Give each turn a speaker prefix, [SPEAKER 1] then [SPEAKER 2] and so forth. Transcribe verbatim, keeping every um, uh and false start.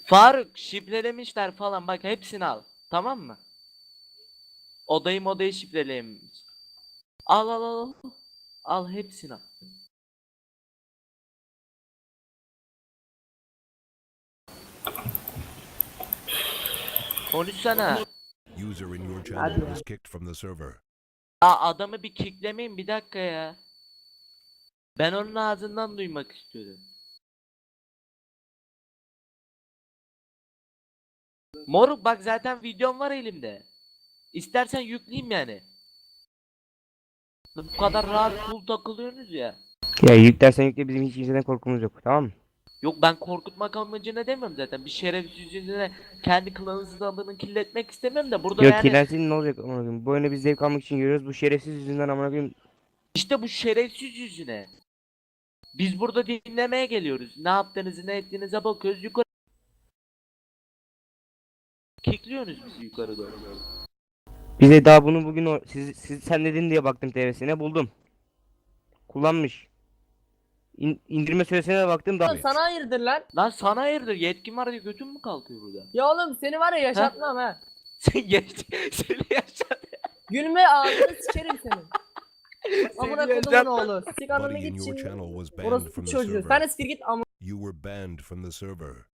[SPEAKER 1] Faruk şifrelemişler falan, bak hepsini al. Tamam mı? Odayı modayı şifrelemiş. Al al al. Al Al hepsini al. Konuşsana.
[SPEAKER 2] User in your
[SPEAKER 3] Hadi
[SPEAKER 2] channel
[SPEAKER 3] ya.
[SPEAKER 2] was kicked from the server.
[SPEAKER 1] Aa, adamı bir kicklemeyin bir dakika ya. Ben onun ağzından duymak istiyorum. Moruk bak zaten videom var elimde. İstersen yükleyeyim yani. Bu kadar rahat cool takılıyorsunuz ya.
[SPEAKER 3] Ya yüklersen yükle, bizim hiç kimseden korkumuz yok, tamam mı?
[SPEAKER 1] Yok, ben korkutmak amacına demiyorum zaten. Bir şerefsiz yüzüne kendi klanınızın adını kirletmek istemem de burada
[SPEAKER 3] Yok,
[SPEAKER 1] yani
[SPEAKER 3] kirlensin ne olacak amına koyayım. Bu oyunu biz zevk almak için görüyoruz. Bu şerefsiz yüzünden amına koyayım.
[SPEAKER 1] işte bu şerefsiz yüzüne. Biz burada dinlemeye geliyoruz. Ne yaptığınızı ne ettiğinize bakıyoruz, yukarı kickliyorsunuz bizi yukarı doğru.
[SPEAKER 3] Bize daha bunu bugün o, siz, siz sen dedin diye baktım T V'sine, buldum. Kullanmış. İn, indirme süresine de baktım da.
[SPEAKER 4] Oğlum sana hayırdır lan?
[SPEAKER 1] Lan sana hayırdır, yetkin var diye götün mü kalkıyor burada?
[SPEAKER 4] Ya oğlum seni var ya yaşatmam ha.
[SPEAKER 1] Sen geç, seni yaşat.
[SPEAKER 4] Gülme ağzını sikerim senin. Amına
[SPEAKER 1] Seni
[SPEAKER 4] kodumun
[SPEAKER 1] yaşat.
[SPEAKER 4] oğlu. Sik ananı
[SPEAKER 2] Buddy in
[SPEAKER 4] git
[SPEAKER 2] your
[SPEAKER 4] şimdi.
[SPEAKER 2] channel was banned
[SPEAKER 4] Orası
[SPEAKER 2] from the
[SPEAKER 4] çocuğu.
[SPEAKER 2] server.
[SPEAKER 4] Sen de siktir git amına.
[SPEAKER 2] You were banned from the server.